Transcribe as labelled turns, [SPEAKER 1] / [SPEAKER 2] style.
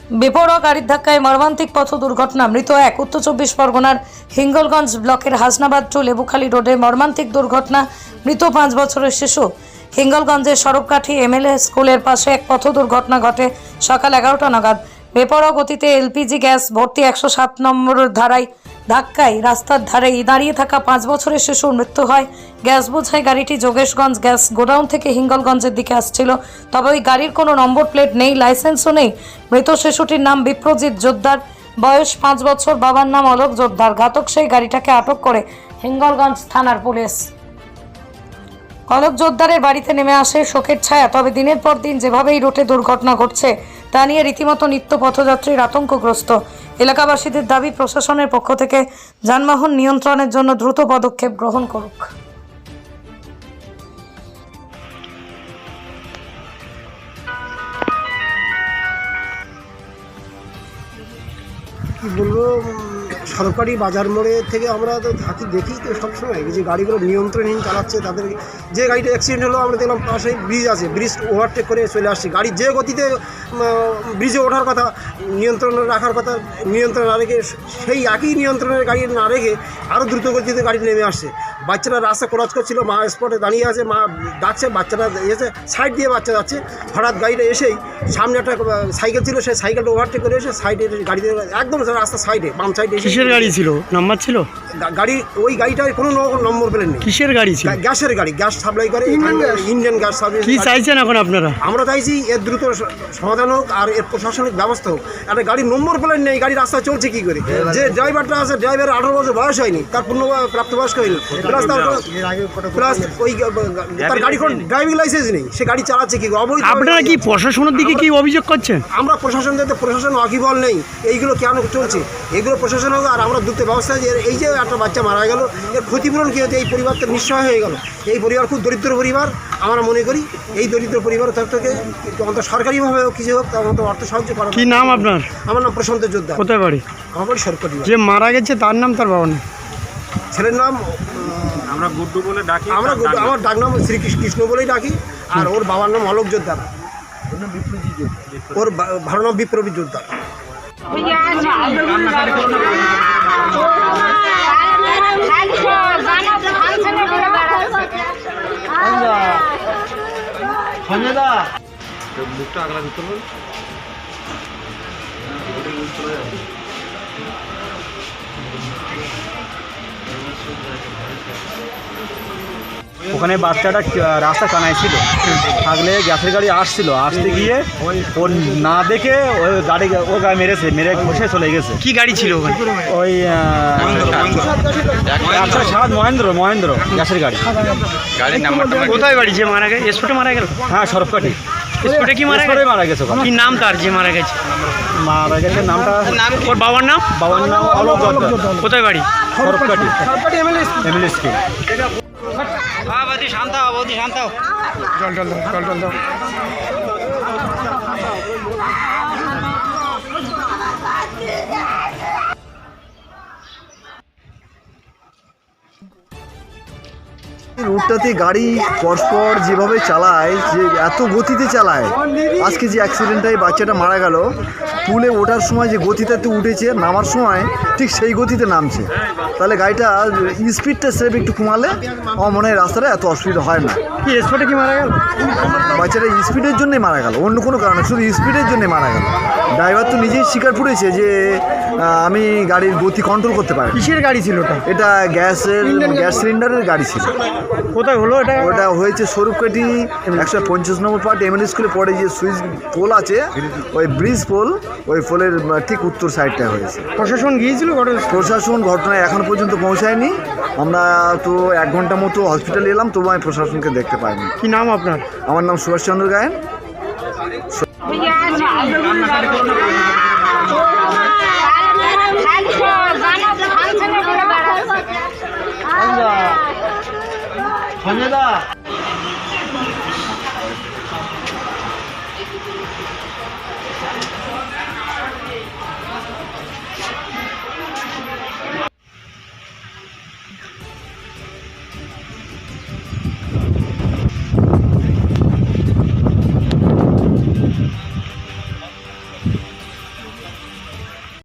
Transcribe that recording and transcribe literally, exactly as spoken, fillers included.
[SPEAKER 1] বেপরোয়া গাড়ির ধাক্কায় মর্মান্তিক পথ দুর্ঘটনা, মৃত এক। উত্তর চব্বিশ পরগনার হিঙ্গলগঞ্জ ব্লকের হাসনাবাদ টু লেবুখালী রোডে মর্মান্তিক দুর্ঘটনা, মৃত পাঁচ বছরের শিশু। হিঙ্গলগঞ্জের সড়ককাঠি এমএলএ স্কুলের পাশে এক পথ দুর্ঘটনা ঘটে সকাল এগারোটা নাগাদ। বেপরোয়া গতিতে এলপিজি গ্যাস ভর্তি একশো সাত নম্বর ধারায় ধাক্কায় রাস্তার ধারে দাঁড়িয়ে থাকা পাঁচ বছরের শিশুর মৃত্যু হয়। গ্যাস বোঝাই গাড়িটি যোগেশগঞ্জ গ্যাস গোডাউন থেকে হিঙ্গলগঞ্জের দিকে আসছিল, তবে ওই গাড়ির কোনো নম্বর প্লেট নেই, লাইসেন্সও নেই। মৃত শিশুটির নাম বিপ্রজিৎ জোদ্দার, বয়স পাঁচ বছর। বাবার নাম অলোক জোদ্দার। ঘাতক সেই গাড়িটাকে আটক করে হিঙ্গলগঞ্জ থানার পুলিশ। অলোক জোদ্দারের বাড়িতে নেমে আসে শোকের ছায়া। তবে দিনের পর দিন যেভাবে এই রুটে দুর্ঘটনা ঘটছে তা নিয়ে রীতিমতো নিত্য পথযাত্রীর আতঙ্কগ্রস্ত। এলাকাবাসীদের দাবি, প্রশাসনের পক্ষ থেকে যানবাহন নিয়ন্ত্রণের জন্য দ্রুত পদক্ষেপ গ্রহণ করুক।
[SPEAKER 2] কি বলবো, সরকারি বাজার মোড়ে থেকে আমরা তো থাকি, দেখি তো সবসময় যে গাড়িগুলো নিয়ন্ত্রণহীন চালাচ্ছে। তাদের যে গাড়িটা অ্যাক্সিডেন্ট হলো, আমরা দেখলাম পাশেই ব্রিজ আছে, ব্রিজ ওভারটেক করে চলে আসছি। গাড়ি যে গতিতে ব্রিজে ওঠার কথা, নিয়ন্ত্রণ রাখার কথা, নিয়ন্ত্রণ না রেখে সেই একই নিয়ন্ত্রণের গাড়ি না রেখে আরও দ্রুত গতিতে গাড়ি নেমে আসছে। বাচ্চারা রাস্তা ক্রস করছিল, মা স্পটে দাঁড়িয়ে আছে, মা ডাকছে, বাচ্চারা এসে সাইড দিয়ে বাচ্চা যাচ্ছে। হঠাৎ গাড়িটা এসেই সামনে একটা সাইকেল ছিল, সেই সাইকেলটা ওভারটেক করে এসে সাইডে গাড়িতে একদম রাস্তা সাইডে বাম সাইডে।
[SPEAKER 3] কিসের গাড়ি ছিল? নাম্বার ছিল
[SPEAKER 2] গাড়ি? ওই গাড়িটার কোনো নম্বর প্লেট নেই।
[SPEAKER 3] কিসের গাড়ি ছিল?
[SPEAKER 2] গ্যাসের গাড়ি, গ্যাস সাপ্লাই করে, ইন্ডিয়ান গ্যাস সাপ্লাই।
[SPEAKER 3] কি চাইছেন এখন আপনারা?
[SPEAKER 2] আমরা চাইছি এর দ্রুত সমাধান হোক আর এর প্রশাসনিক ব্যবস্থা হোক। একটা গাড়ির নম্বর প্লেট নেই, গাড়ি রাস্তায় চলছে কি করে? যে ড্রাইভারটা আছে, ড্রাইভারের আঠারো বছর বয়স হয়নি, তার পূর্ণ প্রাপ্তবয়স্ক হয়নি, প্লাস তার প্লাস ওই তার গাড়ি কোনো ড্রাইভিং লাইসেন্স নেই, সে গাড়ি চালাচ্ছে কি করে? অবৈধ।
[SPEAKER 3] আপনারা কি প্রশাসনের দিকে কি অভিযোগ করছেন?
[SPEAKER 2] আমরা প্রশাসনদের প্রশাসন ওয়াকিবল নেই, এইগুলো কেন চলছে? এগুলো প্রশাসন হোক আর আমরা দ্রুত ব্যবস্থা। যে এই যে একটা বাচ্চা মারা গেল, এর ক্ষতিপূরণ কী হচ্ছে? এই পরিবারটা নিঃসহায় হয়ে গেল। এই পরিবার খুব দরিদ্র পরিবার। আমরা মনে করি এই দরিদ্র পরিবার তার থেকে অন্তত সরকারিভাবে কিছু হোক, তার মতো অর্থ সাহায্য করা।
[SPEAKER 3] কি নাম আপনার?
[SPEAKER 2] আমার নাম প্রশান্ত জোদ্দার।
[SPEAKER 3] কোথায় বাড়ি?
[SPEAKER 2] আমার বাড়ি সরকারি।
[SPEAKER 3] যে মারা গেছে তার নাম, তার বাবার নাম?
[SPEAKER 2] ছেলের নাম
[SPEAKER 4] আমরা গুড্ডু বলে ডাকি।
[SPEAKER 2] আমরা আমার ডাক নাম শ্রীকৃষ্ণ কৃষ্ণ বলেই ডাকি। আর ওর বাবার নাম অলোক জোদ্দার, ওর ভালো নাম বিপ্রজিৎ জোদ্দার।
[SPEAKER 4] মুখটা আগলা দিতে হবে।
[SPEAKER 5] ওখানে বাচ্চাটা রাস্তা কানায় ছিল, থাকলে গ্যাসের গাড়ি আসছিল, আসতে গিয়ে ও না দেখে ওই গাড়ি ও গায়ে মেরেছে, মেরে ঘষে চলে গেছে।
[SPEAKER 3] কি গাড়ি ছিল ওখানে?
[SPEAKER 5] ওই একশো সাত মহেন্দ্র মহেন্দ্র গ্যাসের গাড়ি।
[SPEAKER 4] গাড়ির নাম্বারটা
[SPEAKER 3] কোথায় বাড়ি যে মারা গেছে? স্পটে মারা গেল?
[SPEAKER 5] হ্যাঁ, সরকারি
[SPEAKER 3] স্পটে কি মারা গেছে?
[SPEAKER 5] মারা গেছে।
[SPEAKER 3] কি নাম তার যে মারা গেছে?
[SPEAKER 5] মারা গেছে নামটা?
[SPEAKER 3] ওর বাবার নাম?
[SPEAKER 5] বাবার নাম অলোক জোদ্দার।
[SPEAKER 3] কোথায় বাড়ি?
[SPEAKER 5] সরকারি এমএলএ স্কুল।
[SPEAKER 3] হ্যাঁ বৌদি শান্ত হও, বৌদি শান্ত হও। জল জল দাও, জল জল দাও।
[SPEAKER 6] রুটটাতে গাড়ি পরস্পর যেভাবে চালায়, যে এত গতিতে চালায়, আজকে যে অ্যাক্সিডেন্টটায় বাচ্চাটা মারা গেল, পুলে ওঠার সময় যে গতিটাতে উঠেছে, নামার সময় ঠিক সেই গতিতে নামছে। তাহলে গাড়িটা স্পিডটা সেভ একটু কমালে আমার মনে হয় রাস্তাটা এত অসুবিধা হয় না।
[SPEAKER 3] কি স্পটে কি মারা গেল?
[SPEAKER 6] বাচ্চাটা স্পিডের জন্যই মারা গেল, অন্য কোনো কারণে, শুধু স্পিডের জন্যই মারা গেল। ড্রাইভার তো নিজেই স্বীকার করেছে যে আমি গাড়ির গতি কন্ট্রোল করতে পারি।
[SPEAKER 3] কিসের গাড়ি ছিল ওটা?
[SPEAKER 6] এটা গ্যাসের গ্যাস সিলিন্ডারের গাড়ি ছিল।
[SPEAKER 3] কোথায় হলো এটা?
[SPEAKER 6] ওটা হয়েছে স্বরূপকাঠি একশো পঞ্চাশ নম্বর পার্ট এমএলএ স্কুলে পরে যে সুইচ পোল আছে, ওই ব্রিজ পোল, ওই পোলের ঠিক উত্তর সাইডটা হয়েছে।
[SPEAKER 3] প্রশাসন গিয়েছিল?
[SPEAKER 6] প্রশাসন ঘটনায় এখন পর্যন্ত পৌঁছায়নি। আমরা তো এক ঘন্টা মতো হসপিটালে এলাম, তবু আমি প্রশাসনকে দেখতে পাইনি।
[SPEAKER 3] কি নাম আপনার?
[SPEAKER 6] আমার নাম সুভাষচন্দ্র গায়েন।
[SPEAKER 5] সঞ্জয় দা